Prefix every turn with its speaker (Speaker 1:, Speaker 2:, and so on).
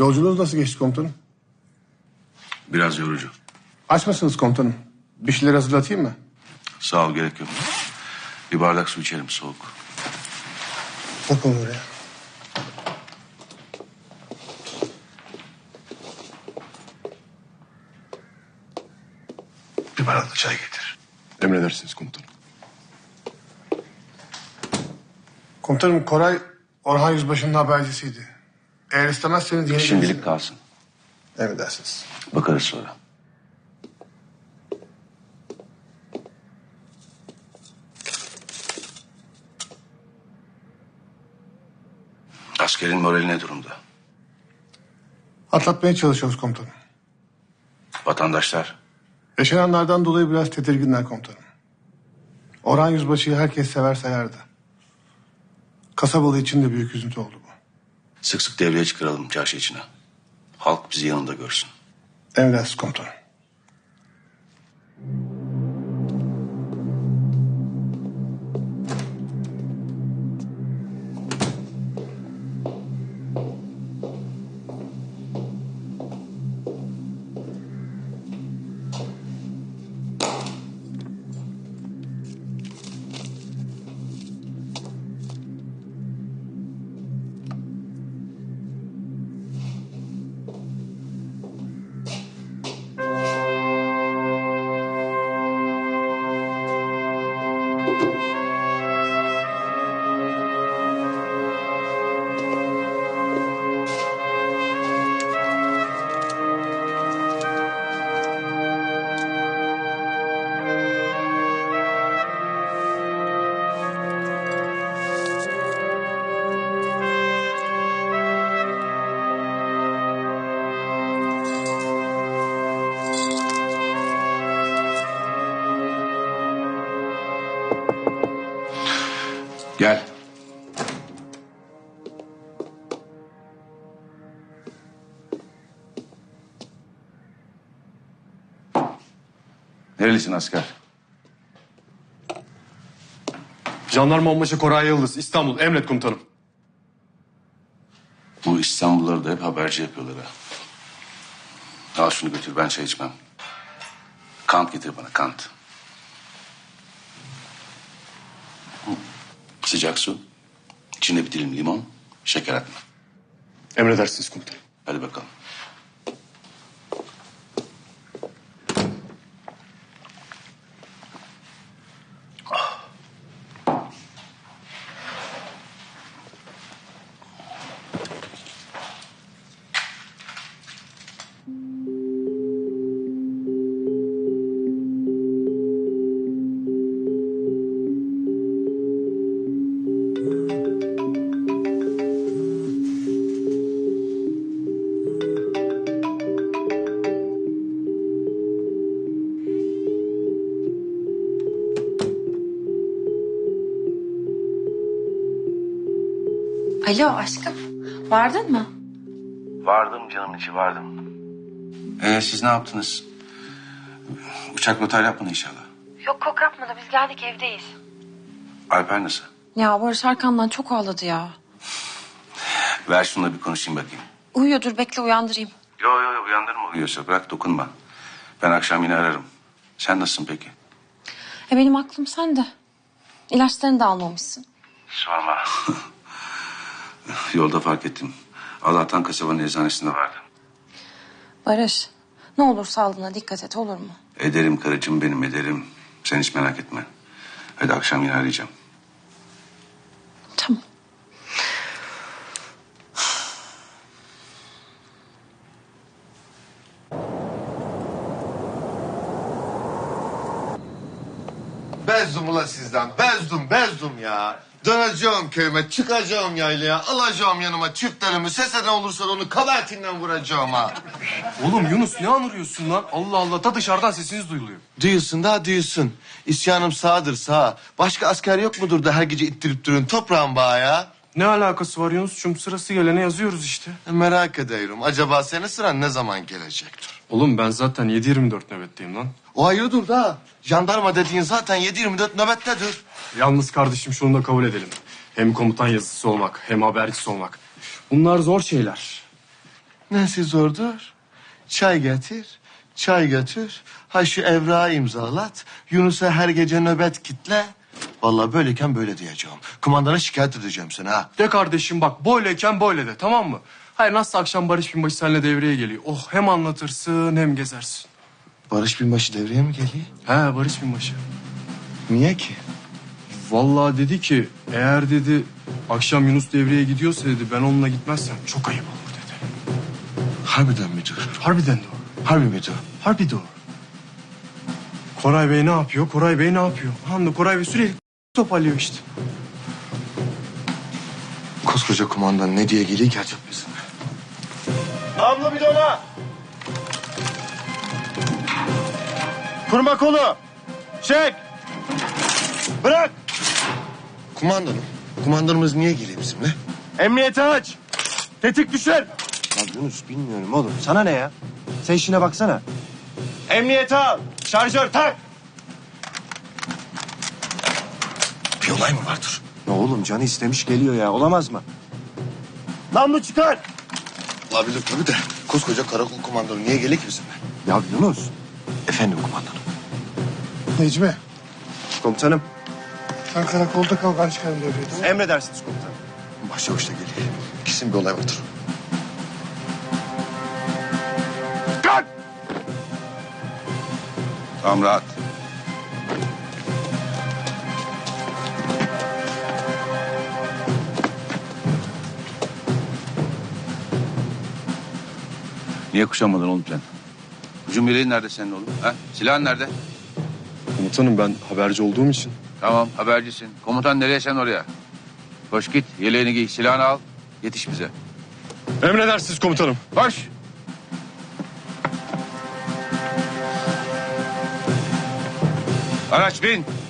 Speaker 1: Yolculuğunuz nasıl geçti komutanım?
Speaker 2: Biraz yorucu.
Speaker 1: Aç mısınız komutanım? Bir şeyler hazırlatayım mı?
Speaker 2: Sağ ol, gerek yok. Bir bardak su içerim, soğuk.
Speaker 1: Bakın oraya.
Speaker 2: Bir bardak çay getir.
Speaker 3: Emredersiniz komutanım.
Speaker 1: Komutanım Koray Orhan Yüzbaşı'nın habercisiydi. Eğer istemezseniz yeni...
Speaker 2: Şimdilik kalsın.
Speaker 1: Emredersiniz.
Speaker 2: Bakarız sonra. Askerin morali ne durumda?
Speaker 1: Atlatmaya çalışıyoruz komutanım.
Speaker 2: Vatandaşlar?
Speaker 1: Yaşananlardan dolayı biraz tedirginler komutanım. Orhan Yüzbaşı'yı herkes sever sayardı. Kasabalı için de büyük üzüntü oldu bu.
Speaker 2: Sık sık devreye çıkaralım çarşı içine. Halk bizi yanında görsün.
Speaker 1: Emredersiniz komutanım.
Speaker 2: Gel. Nerelisin asker?
Speaker 3: Jandarma Onbaşı Koray Yıldız, İstanbul. Emret komutanım.
Speaker 2: Bu İstanbulluları da hep haberci yapıyorlar ha. Al şunu götür, ben çay içmem. Kant getir bana, kant. Sıcak su. İçine bir dilim limon, şeker atma.
Speaker 3: Emredersiniz komutanım.
Speaker 2: Hadi bakalım.
Speaker 4: Alo aşkım, vardın mı?
Speaker 2: Vardım canım içi, vardım. Siz ne yaptınız? Uçak rotayla yapmadı inşallah.
Speaker 4: Yok yapmadı, biz geldik evdeyiz.
Speaker 2: Alper nasıl?
Speaker 4: Ya Barış arkamdan çok ağladı ya.
Speaker 2: Ver şununla bir konuşayım bakayım.
Speaker 4: Uyuyordur, bekle uyandırayım.
Speaker 2: Yo uyandırma, uyuyorsa bırak, dokunma. Ben akşam yine ararım. Sen nasılsın peki?
Speaker 4: Benim aklım sende. İlaçlarını da almamışsın.
Speaker 2: Sorma. Yolda fark ettim. Allah'tan kasabanın eczanesinde vardı.
Speaker 4: Barış, ne olur sağlığına dikkat et, olur mu?
Speaker 2: Ederim karıcığım benim, ederim. Sen hiç merak etme. Hadi akşam yine arayacağım.
Speaker 4: Tamam.
Speaker 5: Bezdum ula sizden. Bezdum ya. Döneceğim köyüme, çıkacağım yaylaya, alacağım yanıma çiftlerimi. Sese ne olursa onu kabaretinden vuracağım ha.
Speaker 3: Oğlum Yunus ne anırıyorsun lan? Allah Allah, da dışarıdan sesiniz duyuluyor.
Speaker 5: Duyulsun da duyulsun. İsyanım sağdır sağ. Başka asker yok mudur da her gece ittirip durun toprağın bağı ya?
Speaker 3: Ne alakası var Yunus'cum? Sırası gelene yazıyoruz işte.
Speaker 5: Merak ediyorum. Acaba senin sıran ne zaman gelecektir?
Speaker 3: Oğlum ben zaten 7/24 nöbetteyim lan.
Speaker 5: O hayırdır da. Jandarma dediğin zaten 7/24 nöbettedir.
Speaker 3: Yalnız kardeşim şunu da kabul edelim. Hem komutan yazısı olmak hem habercisi olmak. Bunlar zor şeyler.
Speaker 5: Nesi zordur? Çay getir, çay götür. Ha şu evrağı imzalat. Yunus'a her gece nöbet kitle. Vallahi böyleyken böyle diyeceğim. Kumandana şikayet edeceğim seni ha.
Speaker 3: De kardeşim bak böyleyken böyle de tamam mı? Hayır nasıl akşam Barış Binbaşı seninle devreye geliyor. Oh hem anlatırsın hem gezersin.
Speaker 5: Barış Binbaşı devreye mi geliyor?
Speaker 3: He Barış Binbaşı.
Speaker 5: Niye ki?
Speaker 3: Vallahi dedi ki eğer dedi akşam Yunus devreye gidiyorsa dedi ben onunla gitmezsem çok ayıp olur dedi.
Speaker 5: Harbiden mi diyor?
Speaker 3: Harbiden doğru.
Speaker 5: Harbi mi diyor?
Speaker 3: Harbi doğru. Koray Bey ne yapıyor? Koray Bey ne yapıyor? Anlı Koray Bey sürekli toparlıyor işte.
Speaker 5: Koskoca kumandan ne diye geliyor gerçek bizimle.
Speaker 6: Namlu bidona. Kurma kolu. Çek. Bırak.
Speaker 5: Kumandanım. Kumandanımız niye geliyor bizimle?
Speaker 6: Emniyete aç. Tetik düşer.
Speaker 7: Ya Yunus bilmiyorum oğlum. Sana ne ya? Sen işine baksana.
Speaker 6: Emniyete al. Şarjör tak.
Speaker 5: Bir olay mı vardır?
Speaker 7: Ya oğlum canı istemiş geliyor ya. Olamaz mı?
Speaker 6: Namlu çıkar.
Speaker 5: Olabilir tabii de. Koskoca karakol kumandanı niye geliyor ki bizimle?
Speaker 7: Ya Yunus.
Speaker 5: Efendim kumandanım.
Speaker 1: Necmi,
Speaker 7: Komutanım.
Speaker 1: sen karakolda kal, ben çıkarım devreye. Tamam mı?
Speaker 7: Emredersiniz komutanım.
Speaker 5: Başçavuş da geliyor. Kesin bir olay vardır.
Speaker 2: Tamam rahat. Niye kuşanmadın oğlum sen? Hücum yeleğin nerede senin oğlum? Ha? Silahın nerede?
Speaker 3: Komutanım ben haberci olduğum için.
Speaker 2: Tamam habercisin. Komutan nereye sen oraya. Koş git yeleğini giy silahını al. Yetiş bize.
Speaker 3: Emredersiniz komutanım.
Speaker 2: Koş. Araç bin.